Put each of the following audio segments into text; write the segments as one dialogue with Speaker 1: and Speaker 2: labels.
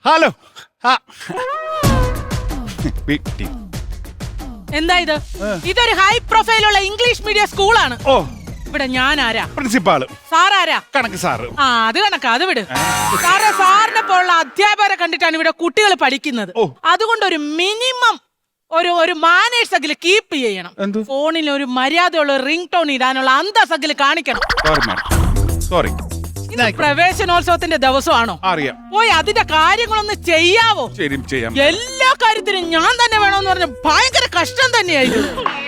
Speaker 1: Hello
Speaker 2: എന്താ ഇത്? ഇതൊരു ഹൈ പ്രൊഫൈലുള്ള ഇംഗ്ലീഷ് മീഡിയം സ്കൂളാണ്.
Speaker 1: ഓ,
Speaker 2: ഇവിടെ ഞാൻ ആരാ?
Speaker 1: പ്രിൻസിപ്പാള്.
Speaker 2: സാറാരാ?
Speaker 1: കണക്ക് സാറ്.
Speaker 2: ആ, അത് കണക്കാ, അത് വിട്. സാറിനെ പോലുള്ള അധ്യാപകരെ കണ്ടിട്ടാണ് ഇവിടെ കുട്ടികൾ പഠിക്കുന്നത്. അതുകൊണ്ട് ഒരു മിനിമം ഒരു മാനേഴ്സ് അഖില് കീപ്പ് ചെയ്യണം. ഫോണിൽ ഒരു മര്യാദയുള്ള റിംഗ് ടോൺ ഇടാനുള്ള അന്തസ്സഖില് കാണിക്കണം.
Speaker 1: സോറി.
Speaker 2: പ്രവേശനോത്സവത്തിന്റെ ദിവസമാണോ?
Speaker 1: അറിയാം.
Speaker 2: പോയി അതിന്റെ കാര്യങ്ങളൊന്ന് ചെയ്യാവോ?
Speaker 1: ചെയ്യാം.
Speaker 2: എല്ലാ കാര്യത്തിനും ഞാൻ തന്നെ വേണമെന്ന് പറഞ്ഞ ഭയങ്കര കഷ്ടം തന്നെയായിരുന്നു.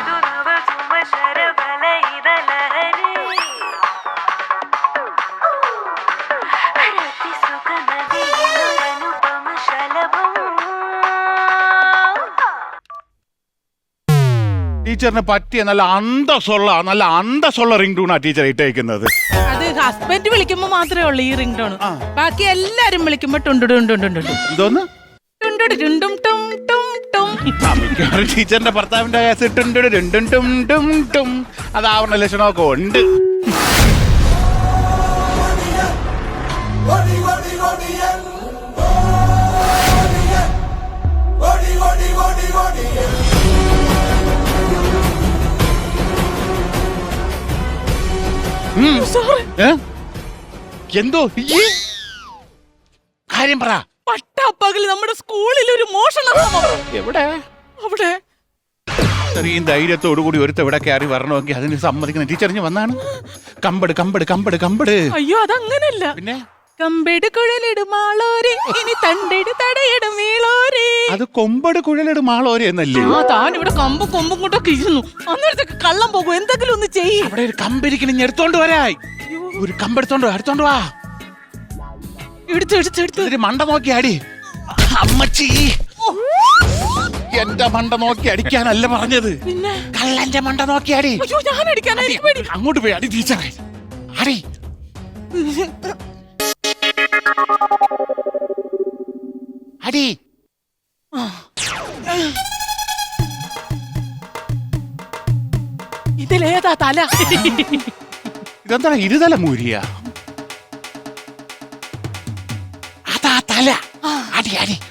Speaker 1: ടീച്ചറിന് പറ്റിയ നല്ല അന്തസ്സുള്ള റിംഗ് ടൂണാ ടീച്ചർ ഇട്ടേക്കുന്നത്.
Speaker 2: അത് ഹസ്ബൻഡ് വിളിക്കുമ്പോ മാത്രമേ ഉള്ളൂ ഈ റിംഗ് ടോൺ. ബാക്കി എല്ലാരും വിളിക്കുമ്പോ
Speaker 1: എന്തോന്ന് ടീച്ചറിന്റെ ഭർത്താവിന്റെ അതാവണ ലക്ഷണമൊക്കെ ഉണ്ട്. എന്തോ കാര്യം പറ.
Speaker 2: പട്ടാപ്പകൽ നമ്മുടെ സ്കൂളിൽ ഒരു മോഷണം.
Speaker 1: എവിടെ?
Speaker 2: അവിടെ
Speaker 1: ഇത്രയും ധൈര്യത്തോടു കൂടി ഒരുത്ത ഇവിടെ കയറി വരണമെങ്കിൽ അതിന് സമ്മതിക്കണം. ടീച്ചറിഞ്ഞ് വന്നാണ്. കമ്പട്.
Speaker 2: അയ്യോ, അതങ്ങനല്ല.
Speaker 1: പിന്നെ
Speaker 2: കമ്പെട് കുഴലിടുമാളോരെ ഇനി തണ്ടെട് തടയിടും വീളോരെ.
Speaker 1: അത് കൊമ്പട് കുഴലിടുമാളോരെ എന്നല്ലേ?
Speaker 2: ആ, താൻ ഇവിടെ കൊമ്പും കൊണ്ടൊക്കെ ഇരുന്നു. അന്നേരത്തേക്ക് കള്ളം പോകും. എന്തെങ്കിലും ഒന്ന് ചെയ്യും.
Speaker 1: അവിടെ ഒരു കമ്പിരിക്കണം, എടുത്തോണ്ട് വരായി. ഒരു കമ്പെടുത്തോണ്ട് വാ. എടുത്ത് മണ്ട നോക്കി അടി. അമ്മച്ചി, എന്റെ മണ്ട നോക്കി അടിക്കാനല്ല പറഞ്ഞത്,
Speaker 2: പിന്നെ
Speaker 1: കള്ളന്റെ മണ്ട നോക്കി അടി.
Speaker 2: ഞാൻ അടിക്കാൻ
Speaker 1: അങ്ങോട്ട് പോയി അടി. ടീച്ചറെ അടി. അടി.
Speaker 2: ഇതിലേതാ തല?
Speaker 1: ഇതെന്താ ഇരുതല മൂരിയ? അതാ തല. അടി.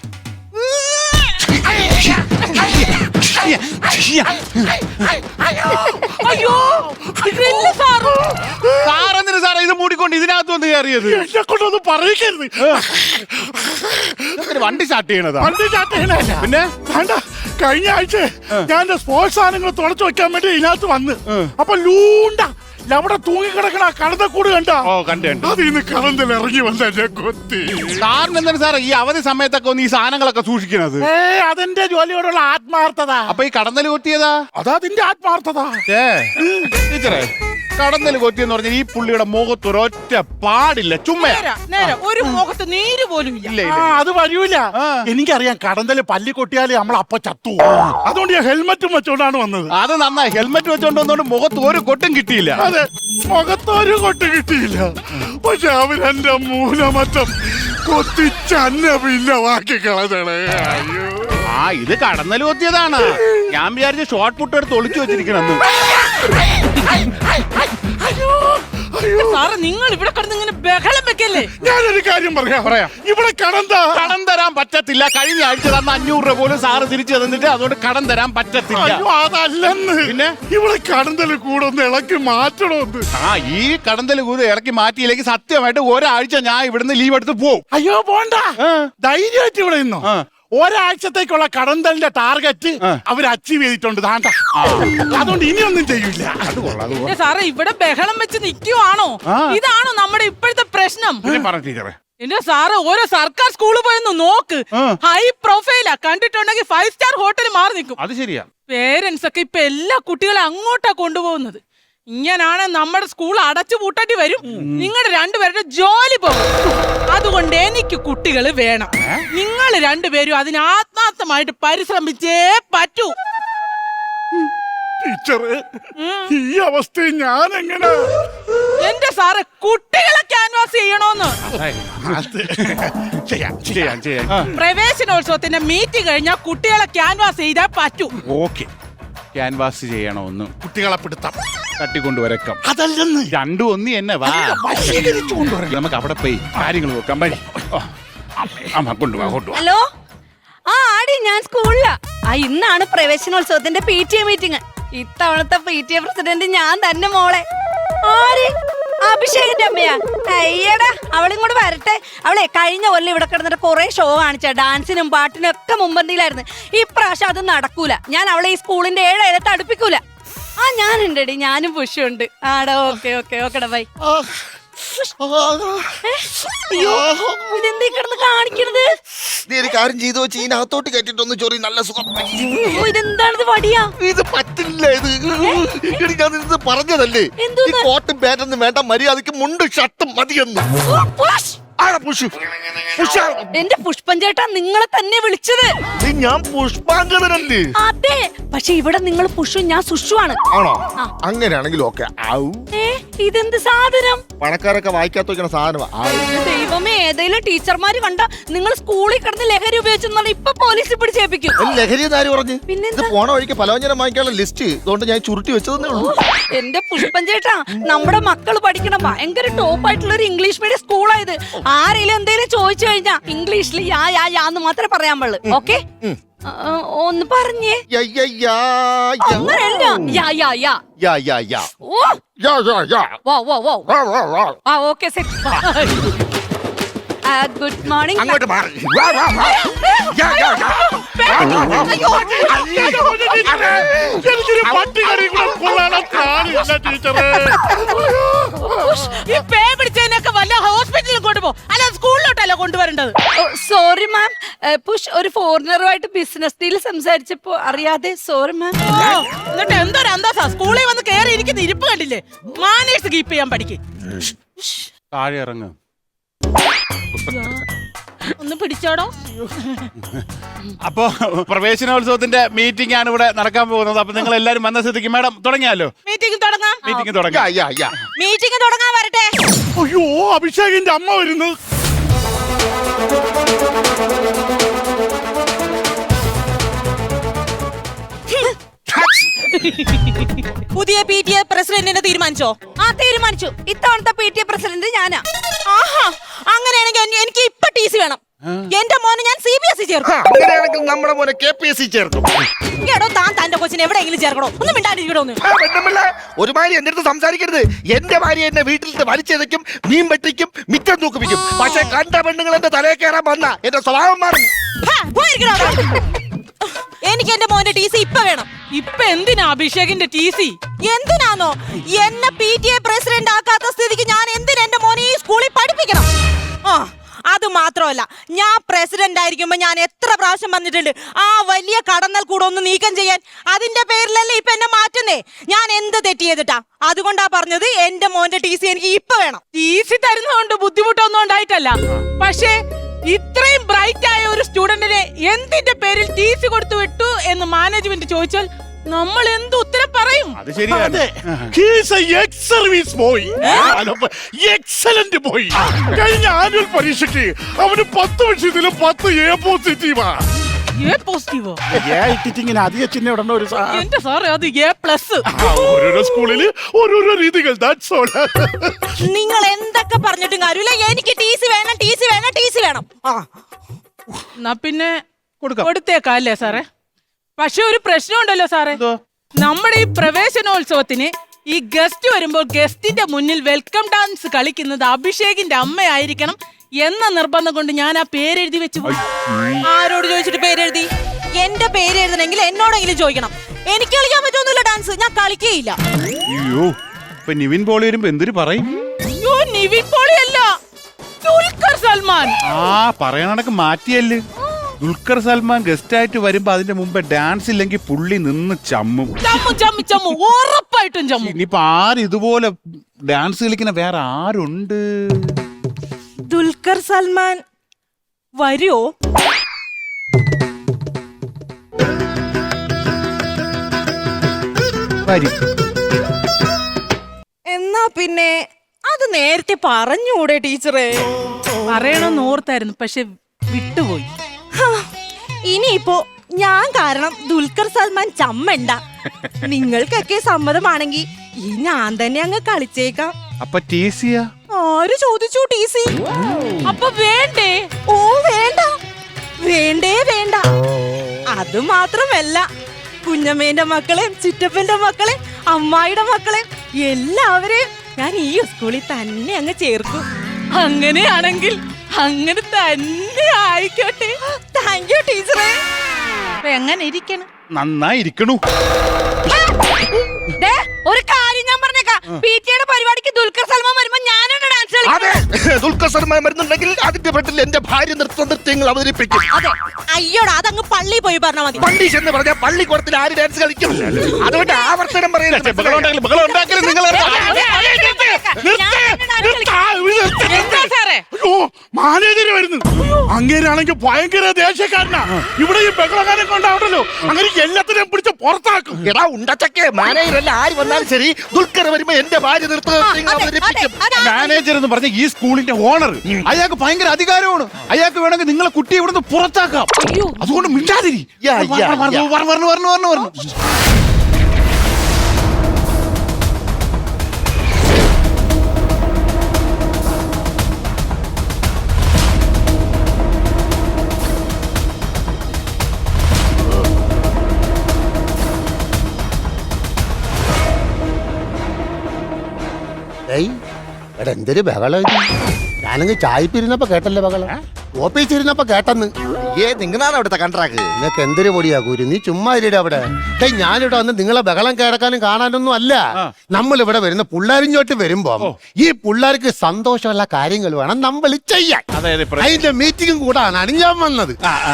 Speaker 2: അയ്യോ,
Speaker 1: സാറെന്തിനു സാറേ ഇത് മൂടിക്കൊണ്ട് ഇതിനകത്ത് വന്ന് കയറിയത്?
Speaker 3: എന്നെ കൊണ്ടൊന്നും പറയിക്കരുത്.
Speaker 1: വണ്ടി സ്റ്റാർട്ട് ചെയ്യണതാ?
Speaker 3: വണ്ടി സ്റ്റാർട്ട് ചെയ്യണല്ല.
Speaker 1: പിന്നെ
Speaker 3: വേണ്ട, കഴിഞ്ഞ ആഴ്ച ഞാൻ എന്റെ സ്പോർട്സ് സാധനങ്ങൾ തുടച്ചു വെക്കാൻ വേണ്ടി ഇതിനകത്ത് വന്ന് അപ്പൊ ലൂണ്ട അവിടെ തൂങ്ങിക്കിടക്കണ കടന്നക്കൂട് കണ്ട. അതിന്ന് കടന്നിൽ ഇറങ്ങി വന്നെ കൊത്തി.
Speaker 1: സാറിന് എന്താണ് സാറേ ഈ അവധി സമയത്തൊക്കെ ഒന്ന് ഈ സാധനങ്ങളൊക്കെ സൂക്ഷിക്കണത്?
Speaker 3: അതെന്റെ ജോലിയോടുള്ള ആത്മാർത്ഥത.
Speaker 1: അപ്പൊ ഈ കടന്നൽ കൊത്തിയതാ?
Speaker 3: അതതിന്റെ ആത്മാർത്ഥത.
Speaker 1: ടീച്ചറെ, കടന്നൽ കൊത്തിയെന്ന് പറഞ്ഞാൽ ഈ പുള്ളിയുടെ മുഖത്ത് ഒരൊറ്റ പാടില്ല. ചുമ്മാ
Speaker 2: ഒരു മുഖത്ത് നീര് പോലും ഇല്ല.
Speaker 3: അത് വരൂല. എനിക്കറിയാം, കടന്തല് പല്ലി കൊട്ടിയാല് നമ്മൾ അപ്പൊ ചത്തു. അതുകൊണ്ട് ഞാൻ ഹെൽമെറ്റും വെച്ചോണ്ടാണ് വന്നത്.
Speaker 1: അത് നന്നായി. ഹെൽമെറ്റ് വെച്ചോണ്ട് വന്നോണ്ട് മുഖത്ത് ഒരു കൊട്ടും കിട്ടിയില്ല.
Speaker 3: അതെ, മുഖത്തൊരു കൊട്ട് കിട്ടിയില്ല. പക്ഷെ അവരെന്റെ മൂലമറ്റം കൊത്തിച്ചന്നവില്ലവാക്കി കളഞ്ഞേ. അയ്യോ,
Speaker 1: ഇത് കടന്നൽ കൊത്തിയതാണ്. ഞാൻ വിചാരിച്ച ഷോർട്ട് പുട്ട് എടുത്ത് ഒളിച്ചു വെച്ചിരിക്കണെന്ന്.
Speaker 2: സാറ്, നിങ്ങൾ ഇവിടെ കിടന്ന് ഇങ്ങനെ ബഹളം വെക്കല്ലേ?
Speaker 3: ഞാനൊരു കാര്യം പറയാം. ഇവിടെ കടം
Speaker 1: തരാൻ പറ്റത്തില്ല. കഴിഞ്ഞ ആഴ്ച തന്ന 500 രൂപ പോലും സാറ് തിരിച്ചു തന്നിട്ട് അതുകൊണ്ട് കടം തരാൻ പറ്റത്തില്ല.
Speaker 3: അതല്ലെന്ന്.
Speaker 1: പിന്നെ
Speaker 3: ഇവിടെ കടന്തല് കൂടെ ഒന്ന് ഇളക്കി മാറ്റണമെന്ന്.
Speaker 1: ഈ കടന്തല് കൂടെ ഇറക്കി മാറ്റിയില്ലെങ്കിൽ സത്യമായിട്ട് ഒരാഴ്ച ഞാൻ ഇവിടുന്ന് ലീവ് എടുത്ത് പോവും.
Speaker 3: അയ്യോ, പോണ്ട. ധൈര്യമായിട്ട് ഇവിടെ നിന്നോ. ഒരാഴ്ചത്തേക്കുള്ള കടന്തലിന്റെ ടാർഗറ്റ് അവർ അച്ചീവ് ചെയ്തിട്ടുണ്ട്. അതുകൊണ്ട് ഇനിയൊന്നും ചെയ്യൂല.
Speaker 2: സാറേ, ഇവിടെ ബഹളം വെച്ച് നിൽക്കുവാണോ? ഇതാണോ നമ്മുടെ ഇപ്പോഴത്തെ പ്രശ്നം? എന്റെ സാറ് ഓരോ സർക്കാർ സ്കൂളിൽ പോയെന്ന് നോക്ക്. ഹൈ പ്രൊഫൈലാ. കണ്ടിട്ടുണ്ടെങ്കിൽ 5 സ്റ്റാർ ഹോട്ടൽ മാറി നിൽക്കും.
Speaker 1: അത് ശരിയാ.
Speaker 2: പേരൻസ് ഒക്കെ ഇപ്പൊ എല്ലാ കുട്ടികളെ അങ്ങോട്ടാ കൊണ്ടുപോകുന്നത്. ഇങ്ങനാണ് നമ്മുടെ സ്കൂൾ അടച്ചു പൂട്ടേണ്ടി വരും. നിങ്ങളുടെ രണ്ടുപേരുടെ ജോലി പോകും. അതുകൊണ്ട് എനിക്ക് കുട്ടികൾ വേണം. നിങ്ങൾ രണ്ടുപേരും അതിന് ആത്മാർത്ഥമായിട്ട് പരിശ്രമിച്ചേ പറ്റൂ.
Speaker 3: ടീച്ചറെ, ഈ അവസ്ഥയിൽ ഞാൻ എങ്ങനെ?
Speaker 2: എന്റെ സാറ്, കുട്ടികളെ ക്യാൻവാസ് ചെയ്യണോന്ന്. പ്രവേശനോത്സവത്തിന്റെ മീറ്റിംഗ് കഴിഞ്ഞാൽ കുട്ടികളെ ക്യാൻവാസ് ചെയ്താൽ പറ്റൂ.
Speaker 1: ഓക്കെ, ക്യാൻവാസ് ചെയ്യണമെന്ന്.
Speaker 3: കുട്ടികളെ പിടുത്തം
Speaker 1: തട്ടിക്കൊണ്ടുവരക്കാം.
Speaker 3: അതല്ലെന്ന്.
Speaker 1: രണ്ടും ഒന്നി എന്നെ വാ. നമുക്ക് അവിടെ പോയി കാര്യങ്ങൾ നോക്കാം. അമ്മ കൊണ്ടുപോവാ കൊണ്ടുപോവാ.
Speaker 4: ഹലോ, ആ ആടി ഞാൻ സ്കൂളിലാ. ഇന്നാണ് പ്രവേശനോത്സവത്തിന്റെ PTA മീറ്റിംഗ്. ഇത്തവണത്തെ PTA പ്രസിഡന്റ് ഞാൻ തന്നെ മോളെ. ആര്? അഭിഷേകിന്റെ അമ്മയാ? അയ്യടാ, അവളിങ്ങോട്ട് വരട്ടെ. അവളെ കഴിഞ്ഞ കൊല്ലം ഇവിടെ കിടന്നിട്ട് കുറെ ഷോ കാണിച്ച, ഡാൻസിനും പാട്ടിനും ഒക്കെ മുമ്പന്തിയിലായിരുന്നു. ഇപ്രാവശ്യം അത് നടക്കൂല. ഞാൻ അവളെ ഈ സ്കൂളിന്റെ 7 അയലത്ത് അടുപ്പിക്കൂല. ഞാനുണ്ടടി, ഞാനും പുഷുണ്ട്. ആടാ, ഓക്കെ ഓക്കെ ഓക്കെടാ, ബൈ. അയ്യോ, ഇതെന്തീ കിടന്ന് കാണിക്കണത്?
Speaker 5: നീ ഒരു കാര്യം ചെയ്തു വെച്ച് ഇതിനകത്തോട്ട് കയറ്റിട്ടൊന്ന് ചൊറി, നല്ല സുഖം.
Speaker 4: ഇതെന്താണിത്? വടിയാ?
Speaker 5: ഇത് പറ്റില്ല. ഇത് ഞാൻ ഇത് പറഞ്ഞതല്ലേ, ഈ കോട്ടും പാന്റൊന്നും വേണ്ട, മര്യാദക്ക് മുണ്ടും ഷർട്ടും മതിയെന്ന്.
Speaker 4: എന്റെ പുഷ്പൻ ചേട്ടാ, നിങ്ങളെ തന്നെ വിളിച്ചത്.
Speaker 5: ഞാൻ പുഷ്പാങ്കണനല്ലേ?
Speaker 4: അതെ, പക്ഷെ ഇവിടെ നിങ്ങൾ പുഷു, ഞാൻ സുഷുവാണ്.
Speaker 5: ആണോ? അങ്ങനെയാണെങ്കിൽ ഓക്കെ.
Speaker 4: ഇതെന്ത് സാധനം?
Speaker 5: പണക്കാരൊക്കെ വായിക്കാത്ത വെക്കണ സാധനമാ.
Speaker 4: ദൈവമേ, ഏതെങ്കിലും ടീച്ചർമാര് കണ്ട നിങ്ങൾ സ്കൂളിൽ കിടന്ന് ലഹരി ഉപയോഗിച്ചെന്നാൽ ഇപ്പൊ പോലീസിൽ പിടിച്ചേൽപ്പിക്കും.
Speaker 5: ലഹരി ആര് പറഞ്ഞു?
Speaker 4: പിന്നെ
Speaker 5: ഇത് പോണ വഴിക്ക് പലവ്യഞ്ജനം വാങ്ങിക്കാനുള്ള ലിസ്റ്റ് അതുകൊണ്ട് ഞാൻ ചുരുട്ടി വെച്ചതേ ഉള്ളൂ.
Speaker 4: എന്റെ പുഷ്പൻ ചേട്ടാ, നമ്മുടെ മക്കൾ പഠിക്കണം ഭയങ്കര ടോപ്പ് ആയിട്ടുള്ള ഒരു ഇംഗ്ലീഷ് മീഡിയം സ്കൂളായത്. ആരെങ്കിലും എന്തെങ്കിലും ചോദിച്ചു കഴിഞ്ഞാ ഇംഗ്ലീഷിൽ യാന്ന് മാത്രമേ പറയാൻ പാടുള്ളൂ. ഓക്കെ, ഒന്ന് പറഞ്ഞേ. അങ്ങനെയല്ല. Okay, good morning.
Speaker 5: അങ്ങോട്ട് മാറി.
Speaker 3: എനിക്കൊരു പട്ടികടി കൂടെ കൊള്ളാനുള്ള കാണില്ല ടീച്ചറെ.
Speaker 2: ഈ പേ പിടിച്ചതിനൊക്കെ വല്ല ഹോസ്പിറ്റലിൽ കൊണ്ടുപോ, അല്ല സ്കൂളിലോട്ടല്ല കൊണ്ടുവരേണ്ടത്.
Speaker 4: സോറി മാം, പുഷ് ഒരു ഫോറിനറുമായിട്ട് ബിസിനസ് ഡീൽ സംസാരിച്ചപ്പോ അറിയാതെ. Sorry ma'am.
Speaker 2: എന്നിട്ട് എന്തൊരു അന്തസ്സാ, സ്കൂളിൽ വന്ന് കയറി ഇരിക്കുന്ന ഇരിപ്പ് കണ്ടില്ലേ? മാനേഴ്സ് കീപ്പ് ചെയ്യാൻ പഠിക്കും.
Speaker 1: താഴെ ഇറങ്ങ്.
Speaker 2: ഒന്ന് പിടിച്ചോടോ.
Speaker 1: അപ്പോ പ്രവേശനോത്സവത്തിന്റെ മീറ്റിംഗ് ആണ് ഇവിടെ നടക്കാൻ പോകുന്നത്. അപ്പൊ നിങ്ങൾ എല്ലാരും വന്ന സ്ഥിതിക്ക് മാഡം തുടങ്ങിയാലോ?
Speaker 2: മീറ്റിംഗ് തുടങ്ങാം.
Speaker 1: മീറ്റിംഗ് തുടങ്ങാം.
Speaker 2: മീറ്റിംഗ് തുടങ്ങാൻ വരട്ടെ.
Speaker 3: അയ്യോ, അഭിഷേകിന്റെ അമ്മ വരുന്നു.
Speaker 2: പുതിയ PTA പ്രസിഡന്റിനെ തീരുമാനിച്ചോ?
Speaker 4: തീരുമാനിച്ചു. ഇത്തവണത്തെ PTA പ്രസിഡന്റ് ഞാനാ.
Speaker 2: ആഹാ, അങ്ങനെയാണെങ്കിൽ എനിക്ക് ഇപ്പൊ TC വേണം. എന്റെ മോനെ ഞാൻ CBSE ചേർക്കും.
Speaker 5: അങ്ങനെയാണെങ്കിൽ നമ്മുടെ മോനെ KPSC ചേർക്കും.
Speaker 2: എടോ, താൻ തന്റെ കൊച്ചിനെ എവിടെയെങ്കിലും ചേർക്കണോ? ഒന്നും മിണ്ടാണ്ടിരിക്കണോ?
Speaker 5: ഒരുമാതിരി എന്റെ അടുത്ത് സംസാരിക്കരുത്. എന്റെ ഭാര്യ എന്നെ വീട്ടിൽ വലിച്ചെതയ്ക്കും, മീൻ വെട്ടിക്കും, മിറ്റം തൂക്കിപ്പിക്കും. പക്ഷെ കണ്ട പെണ്ണുങ്ങൾ എന്റെ തലയിൽ കയറാൻ വന്ന എന്റെ സ്വഭാവം മാറും.
Speaker 2: എനിക്ക് എന്റെ മോന്റെ TC ഇപ്പൊ വേണം. ഇപ്പൊ എന്തിനാ അഭിഷേകിന്റെ TC? എന്തിനാന്നോ? എന്നെ PTA പ്രസിഡന്റ് ആക്കാത്ത സ്ഥിതിക്ക് ഞാൻ എന്തിനാ എന്റെ മോനെ ഈ സ്കൂളിൽ പഠിപ്പിക്കണം? അത് മാത്രമല്ല, ഞാൻ പ്രസിഡന്റ് ആയിരിക്കുമ്പോ ഞാൻ എത്ര പ്രാവശ്യം വന്നിട്ടുണ്ട് ആ വലിയ കടന്നൽ കൂടെ ഒന്ന് നീക്കം ചെയ്യാൻ. അതിന്റെ പേരിലല്ലേ ഇപ്പൊ എന്നെ മാറ്റുന്നേ. ഞാൻ എന്ത് തെറ്റ് ചെയ്തിട്ടാ? അതുകൊണ്ടാ പറഞ്ഞത് എന്റെ മോന്റെ TC എനിക്ക് ഇപ്പൊ വേണം. TC തരുന്നതുകൊണ്ട് ബുദ്ധിമുട്ടൊന്നും ഉണ്ടായിട്ടല്ല, പക്ഷേ ഇത്രയും ബ്രൈറ്റ് ആയ ഒരു സ്റ്റുഡന്റിനെ എന്തിന്റെ പേരിൽ TC കൊടുത്തു വിട്ടു എന്ന് മാനേജ്മെന്റ് ചോദിച്ചാൽ നമ്മൾ എന്ത് ഉത്തരം പറയും?
Speaker 1: അത് ശരിയാണ്.
Speaker 3: Excellent boy. കഴിഞ്ഞ ആനുവൽ പരീക്ഷയ്ക്ക് അവന് 10 വിഷയത്തിലും 10 A പോസിറ്റീവാ. ഇങ്ങനെ അധിക ചിഹ്നം ഇടണ്ട ഒരു
Speaker 2: എന്റെ സാറേ, അത് A+.
Speaker 3: ഓരോരോ സ്കൂളില് ഓരോരോ രീതികൾ.
Speaker 2: നിങ്ങൾ എന്തൊക്കെ പറഞ്ഞിട്ടും കാര്യമില്ല, എനിക്ക് TC വേണം, TC വേണം, TC വേണം. എന്നാ പിന്നെ കൊടുത്തേക്കാം അല്ലേ സാറേ? പക്ഷെ ഒരു പ്രശ്നമുണ്ടല്ലോ സാറേ. നമ്മുടെ ഈ പ്രവേശനോത്സവത്തിന് ഈ ഗസ്റ്റ് വരുമ്പോൾ ഗസ്റ്റിന്റെ മുന്നിൽ വെൽക്കം ഡാൻസ് കളിക്കുന്നത് അഭിഷേകിന്റെ അമ്മയായിരിക്കണം എന്ന നിർബന്ധം കൊണ്ട് ഞാൻ ആ പേരെഴുതി വെച്ചു. ആരോട് ചോദിച്ചിട്ട് പേരെഴുതി? എന്റെ പേര് എഴുതണമെങ്കിൽ എന്നോടെങ്കിലും ചോദിക്കണം. എനിക്ക് കളിക്കാൻ പറ്റുമൊന്നുമില്ല ഡാൻസ്, ഞാൻ കളിക്കുകയില്ല.
Speaker 1: അയ്യോ, ഇപ്പൊ നിവിൻ പോളി വരുമ്പോ എന്തൊരു പറയും?
Speaker 2: അയ്യോ, നിവിൻ പോളി അല്ല, ദുൽഖർ സൽമാൻ.
Speaker 1: പറയണക്ക് മാറ്റിയല്ലേ. ദുൽഖർ സൽമാൻ ഗസ്റ്റ് ആയിട്ട് വരുമ്പോ അതിന്റെ മുമ്പ് ഡാൻസ് ഇല്ലെങ്കിൽ പുള്ളി നിന്ന് ചമ്മും.
Speaker 2: ഉറപ്പായിട്ടും ചമ്മും.
Speaker 1: ഇനിയിപ്പൊ ആര് ഇതുപോലെ ഡാൻസ് കളിക്കുന്ന വേറെ ആരുണ്ട്?
Speaker 2: ദുൽഖർ സൽമാൻ വരുമോ? എന്നാ പിന്നെ അത് നേരത്തെ പറഞ്ഞൂടെ ടീച്ചറെ? പറയണമെന്ന് ഓർത്തായിരുന്നു, പക്ഷെ വിട്ടുപോയി. ഇനിയിപ്പോ ഞാൻ കാരണം ദുൽഖർ സൽമാൻ ചമ്മണ്ട. നിങ്ങൾക്കൊക്കെ സമ്മതമാണെങ്കിൽ ഈ ഞാൻ തന്നെ അങ്ങ് കളിച്ചേക്കാം.
Speaker 1: അപ്പൊ TC
Speaker 4: ആര് ചോദിച്ചു ടി.സി.?
Speaker 2: അപ്പൊ വേണ്ടേ?
Speaker 4: ഓ വേണ്ട, വേണ്ടേ വേണ്ട. അത് മാത്രമല്ല, കുഞ്ഞമ്മേന്റെ മക്കളെയും ചിറ്റപ്പന്റെ മക്കളെയും അമ്മായിയുടെ മക്കളെയും എല്ലാവരെയും ഞാൻ ഈ സ്കൂളിൽ തന്നെ അങ്ങ് ചേർക്കും.
Speaker 2: അങ്ങനെയാണെങ്കിൽ അങ്ങനെ തന്നെ ആയിക്കോട്ടെ.
Speaker 4: താങ്ക് യു ടീച്ചറെ.
Speaker 2: അപ്പൊ എങ്ങനെ ഇരിക്കണം?
Speaker 1: നന്നായിരിക്കണു.
Speaker 4: ദേ, ഒരു കാര്യം ഞാൻ പറഞ്ഞേക്കാം. പി.ടി.യുടെ പരിപാടിക്ക് ദുൽഖർ സൽമാൻ വരുമ്പോ ഞാനാണ് ഡാൻസ്
Speaker 5: അതെ, ദുൽഖർ സൽമാൻ വരുന്നുണ്ടെങ്കിൽ അതിന്റെ പെട്ടിൽ എന്റെ ഭാര്യ നൃത്യങ്ങൾ അവതരിപ്പിക്കും.
Speaker 4: അതെ, അയ്യോടാ, അതങ്ങ് പള്ളി പോയി പറഞ്ഞാ മതി.
Speaker 5: പണ്ടീഷ് എന്ന് പറഞ്ഞാൽ പള്ളിക്കൂടത്തിൽ ആര് ഡാൻസ് കളിക്കും? അതുകൊണ്ട് ആവർത്തനം പറയുന്നത്
Speaker 2: എന്താ സാറേ?
Speaker 3: അയ്യോ, മാനേജര് വരുന്നു. അങ്ങേരാണെങ്കിൽ ഭയങ്കര ദേഷ്യക്കാരനാ. ഇവിടെ ഈ ബഹളക്കാരൻ കൊണ്ടാവണ്ടല്ലോ, അങ്ങനെ എല്ലാത്തിനെയും പിടിച്ച് പുറത്താക്കും.
Speaker 5: എടാ ഉണ്ടച്ചക്കെ, മാനേജറല്ല ആര് വന്നാലും ശരി, ദുൽഖർ വരുമ്പോ എന്റെ ഭാര്യ നൃത്യങ്ങൾ അവതരിപ്പിക്കും.
Speaker 1: മാനേജർ എന്ന് പറഞ്ഞ ഈ സ്കൂളിന്റെ ഓണർ, അയാൾക്ക് ഭയങ്കര അധികാരമാണ്. അയാൾക്ക് വേണമെങ്കിൽ നിങ്ങളെ കുട്ടിയെ ഇവിടുന്ന് പുറത്താക്കാം. അതുകൊണ്ട് മിണ്ടാതിരി.
Speaker 5: യാ, യാ, യാ.
Speaker 1: പറഞ്ഞു.
Speaker 6: എടാ എന്തൊരു ബഹളം ഇത്. ഞാനങ്ങ് ചായപ്പിരുന്നപ്പോ കേട്ടല്ലേ ബഹളം, ഓഫീസിരുന്നപ്പോ കേട്ടെന്ന്.
Speaker 5: നിങ്ങളാണ് അവിടുത്തെ കണ്ട്രാക്ക്.
Speaker 6: നിനക്ക് എന്തൊരു പൊടിയാ കൂരി, നീ ചുമ്മാ ഇരിടെ അവിടെ. ഞാനിവിടെ വന്ന് നിങ്ങളെ ബഹളം കേടക്കാനും കാണാനൊന്നും അല്ല. നമ്മൾ ഇവിടെ വരുന്ന പിള്ളേരിഞ്ഞോട്ട് വരുമ്പോ ഈ പിള്ളേർക്ക് സന്തോഷമുള്ള കാര്യങ്ങൾ വേണം നമ്മൾ ചെയ്യാൻ. അതിന്റെ മീറ്റിംഗും കൂടാണ് ഞാൻ വന്നത്.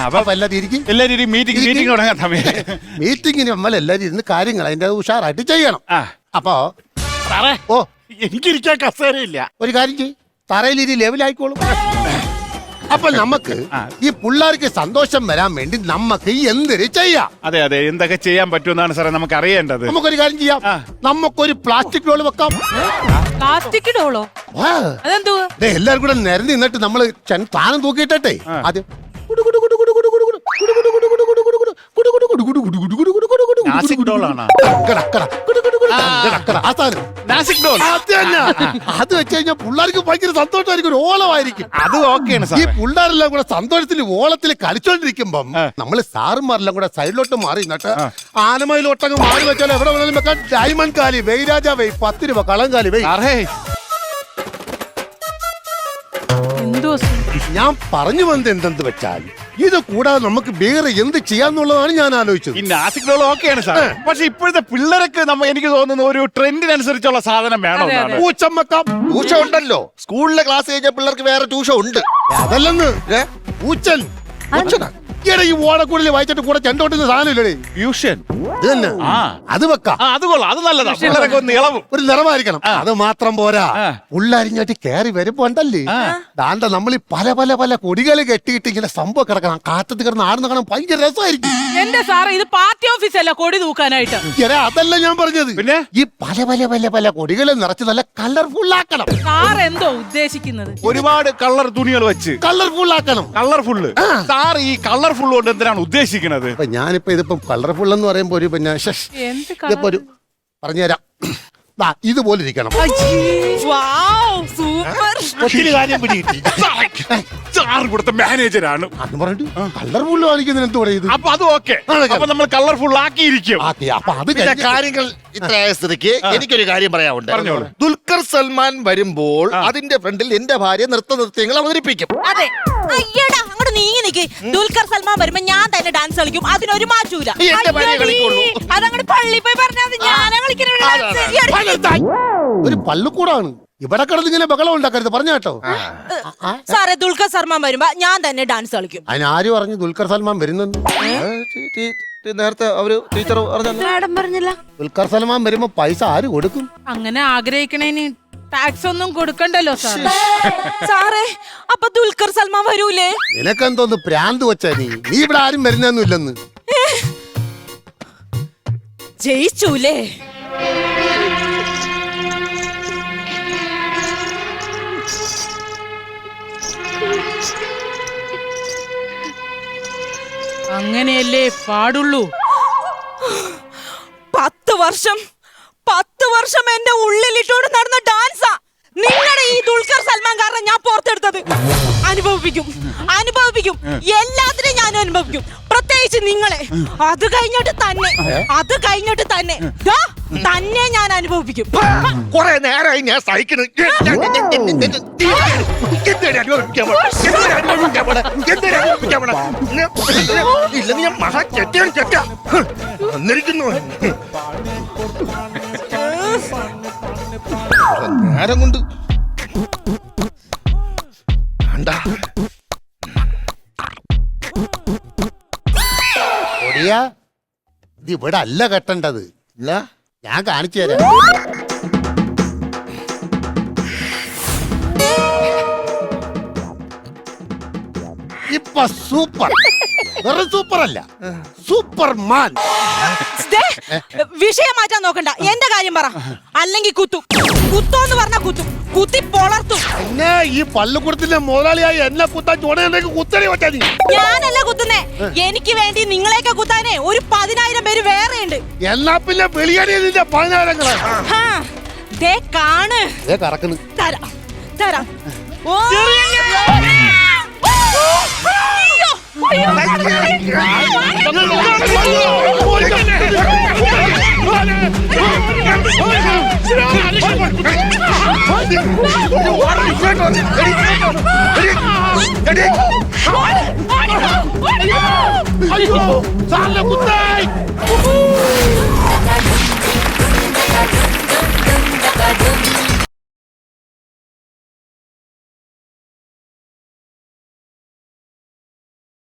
Speaker 6: മീറ്റിംഗിന് നമ്മൾ എല്ലാരും ഇരുന്ന് കാര്യങ്ങൾ അതിന്റെ ഉഷാറായിട്ട് ചെയ്യണം. അപ്പോ ഓ,
Speaker 3: എനിക്കിരിക്കാൻ കസേരയില്ല.
Speaker 6: ഒരു കാര്യം ചെയ്യ്, തറയിലിരി ലെവലായിക്കോളും. അപ്പൊ നമുക്ക് ഈ പിള്ളേർക്ക് സന്തോഷം വരാൻ വേണ്ടി നമുക്ക് എന്തൊരു ചെയ്യാം?
Speaker 1: അതെ, എന്തൊക്കെ ചെയ്യാൻ പറ്റുമെന്നാണ് സാറേ നമുക്ക് അറിയേണ്ടത്.
Speaker 6: നമുക്കൊരു കാര്യം ചെയ്യാം, നമുക്കൊരു പ്ലാസ്റ്റിക് ഡോൾ വെക്കാം.
Speaker 2: പ്ലാസ്റ്റിക് ഡോളോ? അതെന്തുവാ?
Speaker 6: എല്ലാരും കൂടെ നിരന്ന് നിന്നിട്ട് നമ്മള് താനം തൂക്കിയിട്ടെ ആദ്യം അത് വെച്ച് കഴിഞ്ഞാൽ പിള്ളേർക്ക് ഭയങ്കര സന്തോഷമായിരിക്കും, ഓളമായിരിക്കും.
Speaker 1: അത് ഓക്കെയാണ്
Speaker 6: ഈ പിള്ളേരെല്ലാം കൂടെ സന്തോഷത്തിൽ ഓളത്തിൽ കളിച്ചോണ്ടിരിക്കുമ്പം നമ്മള് സാറുമാരെല്ലാം കൂടെ സൈഡിലോട്ട് മാറി നിന്നിട്ട് ആനമയിലോട്ടങ്ങ് മാറി വെച്ചാൽ എവിടെ വേണമെങ്കിലും വെക്കാൻ. ഡയമണ്ട് കാലി വെയ് രാജാ വെയ് 10 രൂപ കളം കാലി വെയ്. ഞാൻ പറഞ്ഞു വന്നത് എന്തെന്ന് വെച്ചാൽ ഇത് കൂടാതെ നമുക്ക് വേറെ എന്ത് ചെയ്യാന്നുള്ളതാണ് ഞാൻ ആലോചിച്ചത്.
Speaker 1: ഈ നാസിക് ഡോൾ ഓക്കെയാണ് സാർ, പക്ഷെ ഇപ്പോഴത്തെ പിള്ളേർക്ക് എനിക്ക് തോന്നുന്നു ഒരു ട്രെൻഡിനനുസരിച്ചുള്ള സാധനം വേണം.
Speaker 6: പൂച്ചമ്മക്കാം.
Speaker 5: ട്യൂഷൻ ഉണ്ടല്ലോ, സ്കൂളിലെ ക്ലാസ് കഴിഞ്ഞ പിള്ളേർക്ക് വേറെ ട്യൂഷൻ ഉണ്ട്.
Speaker 6: അതല്ലെന്ന് പൂച്ചൻ. ഈയിടെ ഈ ഓടക്കൂടിൽ വായിച്ചിട്ട് കൂടെ ചെണ്ടോട്ടുന്ന സാധനം ഇല്ലേ,
Speaker 1: ഫ്യൂഷൻ.
Speaker 6: ഇത് തന്നെ, അത് വെക്കാം.
Speaker 1: അത് കൊള്ളാം, അത് നല്ലതാ. പിള്ളേരൊക്കെ ഒന്ന് ഇളവും.
Speaker 6: ഒരു നിറമായിരിക്കണം. അത് മാത്രം പോരാ, ഉള്ളരിഞ്ഞാട്ടി കയറി വരുമ്പോ ഉണ്ടല്ലേ ദാണ്ട നമ്മൾ ഈ പല പല പല കൊടികൾ കെട്ടിയിട്ട് ഇങ്ങനെ സംഭവം കിടക്കണം, കാറ്റത്ത് കിടന്ന് ആടുന്ന കാണാൻ ഭയങ്കര രസമായിരിക്കും.
Speaker 2: എന്റെ സാറേ, ഇത് പാർട്ടി ഓഫീസ് അല്ല കൊടി തൂക്കാനായിട്ട്.
Speaker 6: അതല്ല ഞാൻ പറഞ്ഞത്. പിന്നെ ഈ പല പല പല പല കൊടികളെ നിറച്ച് നല്ല കളർഫുൾ ആക്കണം.
Speaker 2: സാർ എന്തോ ഉദ്ദേശിക്കുന്നത്?
Speaker 1: ഒരുപാട് കളർ തുണികൾ വെച്ച്
Speaker 6: കളർഫുൾ ആക്കണം.
Speaker 1: കളർഫുള്ള് സാർ ഈ കളർഫുൾ കൊണ്ട് എന്തിനാണ് ഉദ്ദേശിക്കുന്നത്?
Speaker 6: ഞാനിപ്പോ ഇതിപ്പം കളർഫുൾ എന്ന് പറയുമ്പോ ഒരു പിന്നെ ഇതിപ്പോ ഒരു പറഞ്ഞുതരാം, ഇതുപോലെ ഇരിക്കണം. ഒത്തിരി കാര്യം പിടികിട്ടി.
Speaker 1: സാർ ഇവിടുത്തെ മാനേജരാണ്
Speaker 6: എന്ന് പറഞ്ഞിട്ട് കളർഫുൾ കാണിക്കുന്നതിന് എന്ത് പറയുന്നത്?
Speaker 1: അപ്പൊ അത് ഓക്കെ, അപ്പൊ നമ്മൾ കളർഫുൾ ആക്കിയിരിക്കും.
Speaker 6: അപ്പൊ അത്
Speaker 5: കാര്യങ്ങൾ ഇത്രയായ സ്ഥിതിക്ക് എനിക്കൊരു കാര്യം പറയാനുണ്ട്. ദുൽഖർ സൽമാൻ വരുമ്പോൾ അതിന്റെ ഫ്രണ്ടിൽ എന്റെ ഭാര്യ നൃത്യങ്ങൾ അവതരിപ്പിക്കും.
Speaker 4: അതെ, അയ്യടാ അങ്ങോട്ട് നീങ്ങി നിക്ക്. ദുൽഖർ സൽമാൻ വരുമ്പോ ഞാൻ തന്നെ ഡാൻസ് കളിക്കും, അതിനൊരു മാറ്റൂല.
Speaker 5: എന്റെ ഭാര്യ കളിക്കുള്ളൂ.
Speaker 4: അതങ്ങോട്ട് പള്ളി പോയി പറഞ്ഞാൽ ഞാനാ കളിക്കുന്ന.
Speaker 6: ഒരു പള്ളിക്കൂടാണ്, ഇവിടെ കിടന്ന് ഇങ്ങനെ ബഹളം ഉണ്ടാക്കരുത്, പറഞ്ഞ കേട്ടോ.
Speaker 4: സാറേ, ദുൽഖർ സൽമാൻ വരുമ്പോ ഞാൻ തന്നെ ഡാൻസ് കളിക്കും.
Speaker 6: അതിനാര് പറഞ്ഞു ദുൽഖർ സൽമാൻ വരുന്നെന്ന്?
Speaker 5: നേരത്തെ അവര് ടീച്ചർ
Speaker 4: പറഞ്ഞില്ല.
Speaker 6: ദുൽഖർ സൽമാൻ വരുമ്പോ പൈസ ആര് കൊടുക്കും?
Speaker 2: അങ്ങനെ ആഗ്രഹിക്കണേന് ടാക്സ് ഒന്നും കൊടുക്കണ്ടല്ലോ സാർ.
Speaker 4: സാറേ, അപ്പൊ ദുൽഖർ സൽമാൻ വരൂലേ?
Speaker 6: നിനക്കെന്തോന്ന് പ്രാന്ത് വെച്ചാ നീ ഇവിടെ ആരും വരുന്നൊന്നും ഇല്ലെന്ന്.
Speaker 4: ജയിച്ചൂലേ?
Speaker 2: അങ്ങനെയല്ലേ പാടുള്ളൂ.
Speaker 4: 10 വർഷം എന്റെ ഉള്ളിലിട്ടോട് നടന്ന ഡാൻസാ. നിങ്ങളുടെ ഈ ദുൽഖർ സൽമാൻ കാരണം ഞാൻ പുറത്തെടുത്തത് അനുഭവിപ്പിക്കും അനുഭവിപ്പിക്കും എല്ലാത്തിനും ഞാൻ അനുഭവിക്കും, പ്രത്യേകിച്ച് നിങ്ങളെ. അത് കഴിഞ്ഞിട്ട് തന്നെ ദാ, തന്നെ ഞാൻ അനുഭവിപ്പിക്കും.
Speaker 5: കുറെ നേരമായി ഞാൻ സഹിക്കുന്നു. ഇല്ല നീ മഹാ ചെറ്റ വന്നിരിക്കുന്നു. നേരം കൊണ്ട്
Speaker 6: ഒടിയാ, ഇത് ഇവിടെ അല്ല കെട്ടേണ്ടത്.
Speaker 5: ഇല്ല
Speaker 6: ഞാൻ കാണിച്ചു തരാം. ഇപ്പൊ സൂപ്പർ, വെറും സൂപ്പർ അല്ല, സൂപ്പർമാൻ.
Speaker 4: ദേ, വിഷയം മാറ്റാൻ നോക്കണ്ട, എന്റെ കാര്യം പറ. അല്ലെങ്കിൽ കുത്തോന്ന് പറഞ്ഞ കുത്തി പൊളർത്തും.
Speaker 6: എന്നെ ഈ പള്ളിക്കൂടത്തിന്റെ മുതലാളിയായി എന്നെ കുത്താൻ ചുണയുണ്ടെങ്കിൽ കുത്തനെ വെച്ചാ നീ.
Speaker 4: ഞാനല്ല കുത്തുന്നേ, എനിക്ക് വേണ്ടി നിങ്ങളെയൊക്കെ കുത്താനേ ഒരു 10,000 പേര് വേറെ ഉണ്ട്.
Speaker 6: എന്നാ പിന്നെ വെളിയടി നിന്റെ 10,000
Speaker 4: ദേ കാണ്,
Speaker 6: കറക്കുന്നു.
Speaker 4: തരാം. ഓ
Speaker 6: അയ്യോ സാറിനെ കുത്തായി.